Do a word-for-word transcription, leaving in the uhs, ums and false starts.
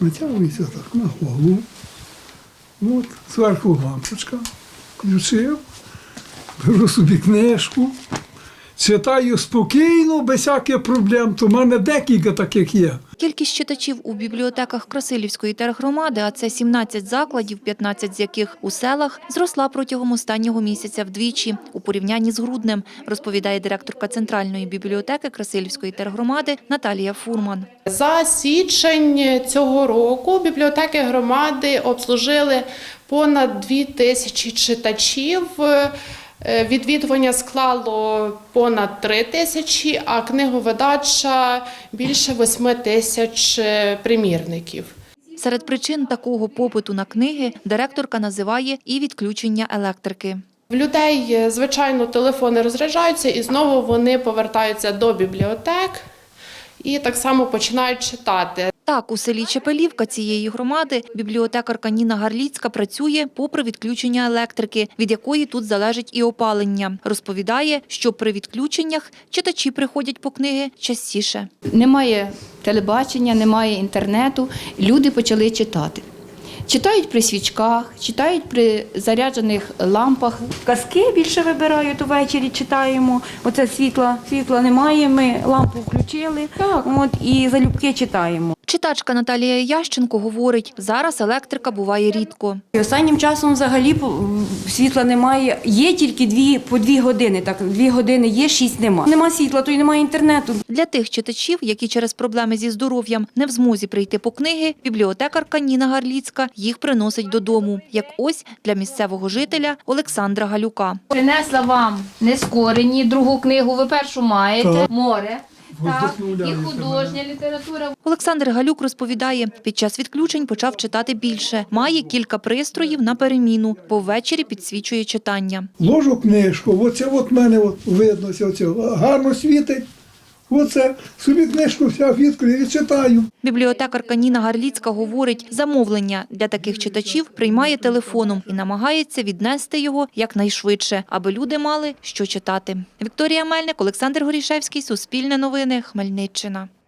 натягується так на голову. От, зверху лампочка. Включив, беру собі книжку, читаю спокійно, без всяких проблем. То в мене декілька таких є. Кількість читачів у бібліотеках Красилівської тергромади, а це сімнадцять закладів, п'ятнадцять з яких у селах, зросла протягом останнього місяця вдвічі у порівнянні з груднем, розповідає директорка Центральної бібліотеки Красилівської тергромади Наталія Фурман. За січень цього року бібліотеки громади обслужили понад дві тисячі читачів. Відвідування склало понад три тисячі, а книговидача більше восьми тисяч примірників. Серед причин такого попиту на книги директорка називає і відключення електрики. В людей, звичайно, телефони розряджаються і знову вони повертаються до бібліотек і так само починають читати. Так, у селі Чепелівка цієї громади бібліотекарка Ніна Гарліцька працює попри відключення електрики, від якої тут залежить і опалення. Розповідає, що при відключеннях читачі приходять по книги частіше. Немає телебачення, немає інтернету, люди почали читати. Читають при свічках, читають при заряджених лампах. Казки більше вибирають, увечері читаємо. Оце світла, світла немає, ми лампу включили, так. От, і залюбки читаємо. Читачка Наталія Ященко говорить, зараз електрика буває рідко. І останнім часом взагалі світла немає, є тільки дві, по дві години, так, дві години є, шість нема. Нема світла, то й немає інтернету. Для тих читачів, які через проблеми зі здоров'ям не в змозі прийти по книги, бібліотекарка Ніна Гарліцька їх приносить додому, як ось для місцевого жителя Олександра Галюка. Принесла вам нескорені, другу книгу, ви першу маєте, Так. море. Так, і Вдохновляється художня література. Олександр Галюк розповідає, під час відключень почав читати більше. Має кілька пристроїв на переміну, бо ввечері підсвічує читання. Ложу книжку, оце от мене от видно, оце, гарно світить. Оце собі книжку вся відкрию і читаю. Бібліотекарка Ніна Гарліцька говорить, замовлення для таких читачів приймає телефоном і намагається віднести його якнайшвидше, аби люди мали що читати. Вікторія Мельник, Олександр Горішевський, Суспільне новини, Хмельниччина.